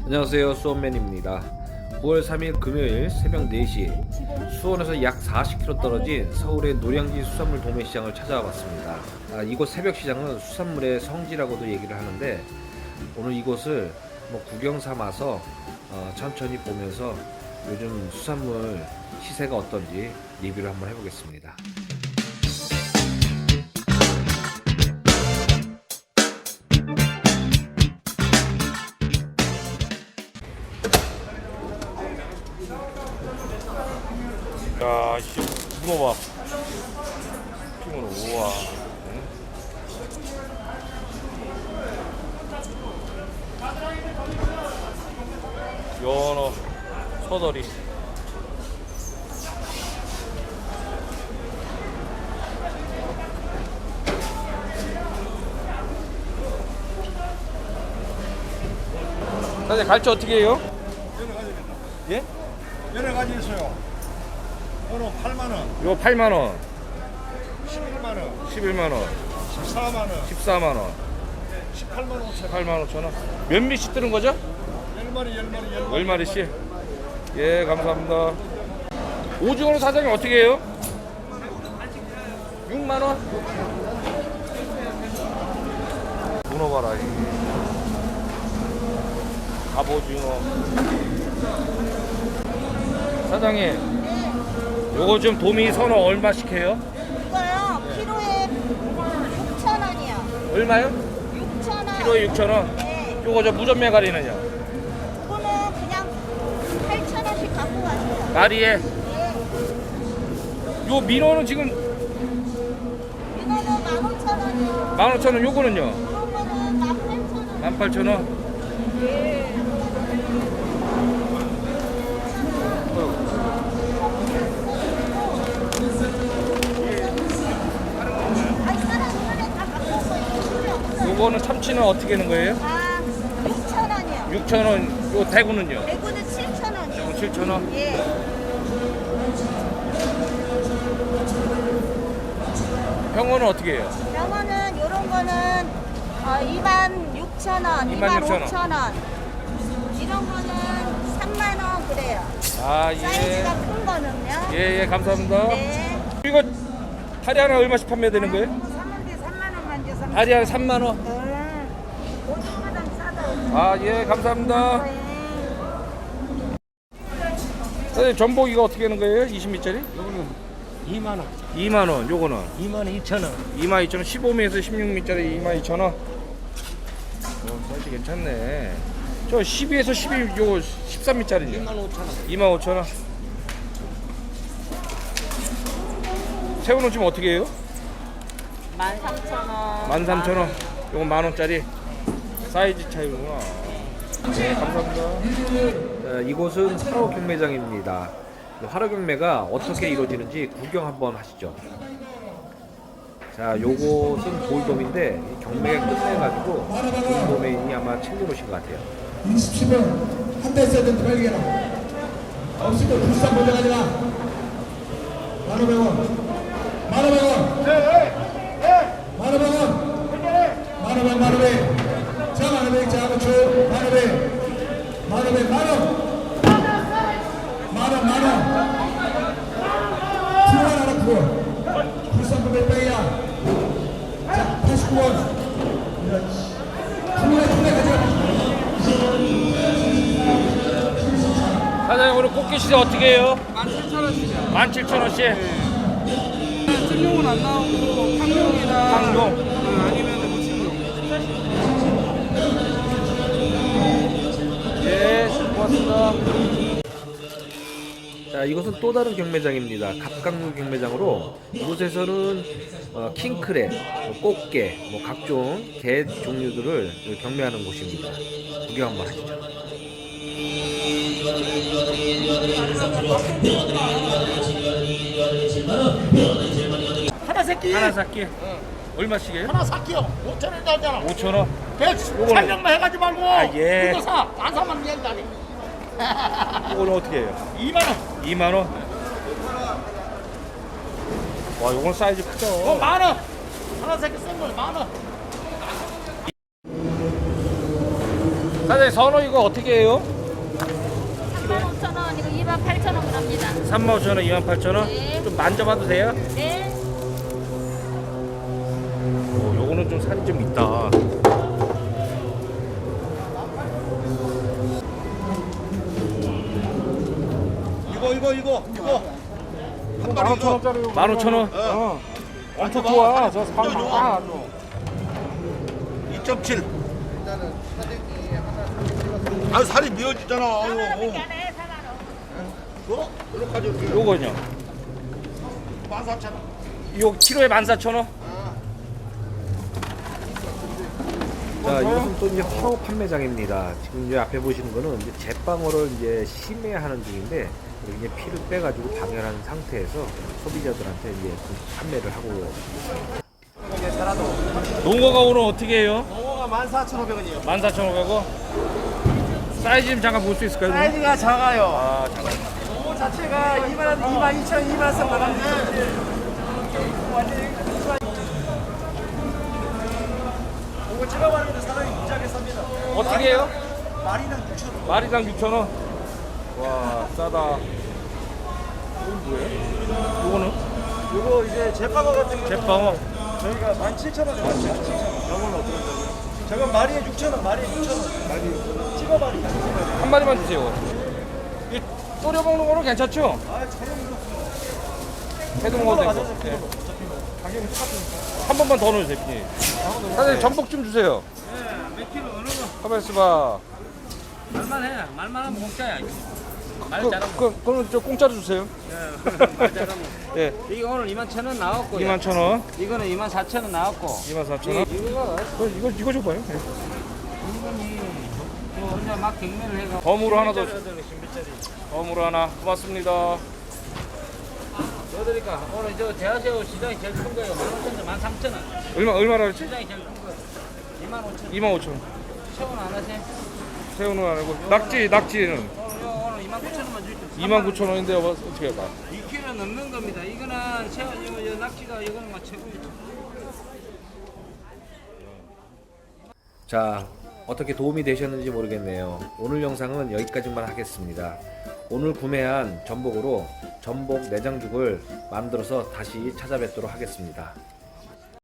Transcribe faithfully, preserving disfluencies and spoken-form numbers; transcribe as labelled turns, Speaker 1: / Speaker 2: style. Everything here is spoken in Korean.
Speaker 1: 안녕하세요, 수원맨입니다. 구월 삼일 금요일 새벽 네 시 수원에서 약 사십 킬로미터 떨어진 서울의 노량진 수산물 도매시장을 찾아와 봤습니다. 아, 이곳 새벽시장은 수산물의 성지라고도 얘기를 하는데 오늘 이곳을 뭐 구경 삼아서 어, 천천히 보면서 요즘 수산물 시세가 어떤지 리뷰를 한번 해보겠습니다. 야, 씨, 문어 봐. 피문어, 우와. 응? 연어, 서더리. 사장님, 갈치 어떻게 해요?
Speaker 2: 여러 가지입니다.
Speaker 1: 예?
Speaker 2: 여러 가지 있어요. 오늘 팔만 원,
Speaker 1: 이거 팔만 원,
Speaker 2: 십일만 원,
Speaker 1: 십일만 원,
Speaker 2: 십사만 원,
Speaker 1: 십사만 원,
Speaker 2: 십팔만 오천 원.
Speaker 1: 팔만 오천 원. 몇 미씩 뜨는 거죠?
Speaker 2: 열 마리, 열 마리, 열 마리.
Speaker 1: 열 마리씩? 예, 감사합니다. 오징어는 사장님 어떻게 해요? 육만 원? 문어 봐라. 이. 갑오징어. 사장님, 요거 좀 도미 선어 얼마씩 해요?
Speaker 3: 이거요, 키로에 육천 원이요.
Speaker 1: 얼마요?
Speaker 3: 육천 원.
Speaker 1: 키로에 육천 원.
Speaker 3: 네.
Speaker 1: 요거 저 무전매가리는요?
Speaker 3: 이거는 그냥 팔천 원씩 갖고 가세요.
Speaker 1: 마리에.
Speaker 3: 네.
Speaker 1: 요 민어는 지금
Speaker 3: 이거는 만 오천 원이요.
Speaker 1: 만 오천 원, 요거는요?
Speaker 3: 이런 거는 만 팔천 원.
Speaker 1: 만 팔천 원.
Speaker 3: 네. 아이, 사람 이번에 다 갖고 온 거예요.
Speaker 1: 요거는 참치는 어떻게 하는 거예요?
Speaker 3: 아, 육천 원이요.
Speaker 1: 육천 원. 요 대구는요?
Speaker 3: 대구는 칠천 원이요.
Speaker 1: 칠천 원.
Speaker 3: 예.
Speaker 1: 병어는 어떻게 해요?
Speaker 3: 병어는 요런 거는 어, 이만 육천 원,
Speaker 1: 이만
Speaker 3: 이만
Speaker 1: 육천 원.
Speaker 3: 오천 원. 이런 거는 삼만 원 그래요.
Speaker 1: 아, 예.
Speaker 3: 사이즈가 큰 거는요.
Speaker 1: 예, 예, 감사합니다.
Speaker 3: 네.
Speaker 1: 이거 다리 하나 얼마씩 판매되는 거예요?
Speaker 3: 사는데 삼만 원만 줘서.
Speaker 1: 다리 하나 삼만 원.
Speaker 3: 네. 오징어보단 싸다.
Speaker 1: 아, 예, 감사합니다.
Speaker 3: 네.
Speaker 1: 사장님, 전복이가 어떻게 하는 거예요? 이십 미짜리?
Speaker 2: 요거는 이만 원,
Speaker 1: 이만 원. 요거는
Speaker 2: 이만 원 이천 원.
Speaker 1: 이만 이천 원. 십오 미에서 십육 미짜리 이만 이천 원. 어, 사이즈 괜찮네. 저 십이에서 십이, 요 십삼 미짜리죠?
Speaker 2: 이만 오천 원.
Speaker 1: 이만 오천 원. 새우는 지금 어떻게 해요?
Speaker 3: 만 삼천 원.
Speaker 1: 만 삼천 원. 요건 만 원짜리. 사이즈 차이구나. 네, 감사합니다. 자, 이곳은 화로 경매장입니다. 화로 경매가 어떻게 이루어지는지 구경 한번 하시죠. 자, 요곳은 볼돔인데 이 경매가 끝내가지고 볼돔인이 아마 챙겨놓으신 것 같아요.
Speaker 4: 이십칠 분 한 대 써야 된다 빨리게라 없으면 불쌍 몰려가지라 만오백 원 만오백 원 만오백 원 만오백 만오백 자 만오백 자 아무튼 만오백 만오백 만원 만원 만원 프로 하나 프로 불쌍 몇 백이야 자 팔십구 원 프로에 프로에 가져가
Speaker 1: 사장님, 오늘 꽃게 시세 어떻게 해요?
Speaker 5: 만 칠천 원씩이요.
Speaker 1: 만 칠천 원씩.
Speaker 5: 찜용은 안 나오고 탕용이나
Speaker 1: 탕용.
Speaker 5: 어, 아니면 뭐 찜용.
Speaker 1: 예, 고맙습니다. 자, 이것은 또 다른 경매장입니다. 갑각류 경매장으로 이곳에서는 어, 킹크랩, 뭐 꽃게, 뭐 각종 게 종류들을 경매하는 곳입니다. 구경 한번 하시죠.
Speaker 2: 하나 새끼.
Speaker 1: 하나 샀기 얼마씩이에요?
Speaker 2: 하나 샀기요. 오천 원 나오잖아.
Speaker 1: 오천 원.
Speaker 2: 배 촬영만 해가지 말고.
Speaker 1: 아, 예.
Speaker 2: 이거 사. 안 사면 미안다니.
Speaker 1: 이거는 어떻게 해요?
Speaker 2: 이만 원.
Speaker 1: 이만 원. 와, 이건 사이즈 크죠.
Speaker 2: 어, 만 원. 하나 새끼 쓴 거 만 원.
Speaker 1: 사장님 선어 이거 어떻게 해요?
Speaker 3: 삼만 오천 원, 이거 이만 팔천 원 갑니다.
Speaker 1: 삼만 오천 원, 이만 팔천 원?
Speaker 3: 네.
Speaker 1: 좀 만져봐도 돼요?
Speaker 3: 네.
Speaker 1: 오, 요거는 좀 살이 좀 있다.
Speaker 2: 이거 이거 이거 이거 한 마리
Speaker 5: 만 오천
Speaker 2: 이거
Speaker 5: 원짜리.
Speaker 1: 만 오천 원?
Speaker 5: 어. 엄청
Speaker 2: 봐.
Speaker 5: 좋아. 저 살
Speaker 2: 좀
Speaker 5: 많아.
Speaker 2: 이 점 칠. 아 살이 미어지잖아. 아유.
Speaker 3: 안에 사만 원.
Speaker 2: 어? 이렇게 가져올게.
Speaker 1: 요거는요?
Speaker 2: 만 사천 원.
Speaker 1: 요 키로에 만 사천 원? 자, 이것은 또 이제 화호 판매장입니다. 지금 이제 앞에 보시는 거는 이제 제빵어를 이제 심해하는 중인데, 이렇게 이제 피를 빼가지고 방열한 상태에서 소비자들한테 이제 그 판매를 하고. 농어가 오늘 어떻게 해요?
Speaker 2: 농어가 만 사천오백 원이요.
Speaker 1: 만 사천 오백 원? 사이즈 좀 잠깐 볼 수 있을까요?
Speaker 2: 사이즈가 작아요.
Speaker 1: 아, 잠깐.
Speaker 2: 농어 자체가 이만 이만 이천 원, 이만 원 나가는데. 이거 제가 봤는데 사람이 무지하게 쌉니다.
Speaker 1: 어떻게 해요?
Speaker 2: 마리당 육천 원.
Speaker 1: 마리당 육천 원? 와, 싸다. 이건 뭐예요? 요거는?
Speaker 2: 이거 이제 제빵어 같은 거
Speaker 1: 제빵어.
Speaker 2: 저희가 만 칠천 원에 만 칠천 원. 이걸로 어떻게 된다고요? 저건 마리에 육천 원, 마리에 육천 원. 마리 찍어 마리.
Speaker 1: 한 마리만 주세요. 이 졸여 먹는 거는 괜찮죠?
Speaker 2: 아, 저렴 이거.
Speaker 1: 해도 먹어도 되고.
Speaker 2: 맞아서
Speaker 1: 예.
Speaker 2: 가격이 똑같으니까.
Speaker 1: 한 번만 더 넣어주세요, 피디. 사장님 전복 좀 주세요.
Speaker 5: 네, 몇 킬로 어느 거?
Speaker 1: 가만 있어봐.
Speaker 5: 말만 해. 말만 하면 공짜야. 말
Speaker 1: 그,
Speaker 5: 잘하면.
Speaker 1: 그, 그럼 저 공짜로 주세요.
Speaker 5: 말 잘하면.
Speaker 1: 예,
Speaker 5: 이거 오늘 이만 천 원 나왔고.
Speaker 1: 이만 천 원,
Speaker 5: 이거는 이만 사천 원 나왔고.
Speaker 1: 이만 사천 원.
Speaker 5: 이거가
Speaker 1: 그, 이거 이거 줘봐요. 예.
Speaker 5: 이분이 뭐 혼자 막 경매를 해가.
Speaker 1: 덤으로 하나 더. 덤으로 하나. 고맙습니다.
Speaker 5: 그러니까 오늘 저 대하새우 시장이 제일 큰 거예요. 만 오천 원, 만 삼천 원.
Speaker 1: 얼마 얼마나 그랬지?
Speaker 5: 시장이 제일 큰 거. 이만 오천 원.
Speaker 1: 이만 오천 원.
Speaker 5: 채원 안 하세요?
Speaker 1: 새우는 안 하고 낙지 낙지는
Speaker 5: 오늘 오늘 이만 구천 원만 주십시오.
Speaker 1: 이만 구천 원인데 어떻게 할까?
Speaker 5: 이 킬로 넘는 겁니다. 이거는 채원 이거 이거 낙지가 이거는 막 최고죠.
Speaker 1: 자, 어떻게 도움이 되셨는지 모르겠네요. 오늘 영상은 여기까지만 하겠습니다. 오늘 구매한 전복으로 전복 내장죽을 만들어서 다시 찾아뵙도록 하겠습니다.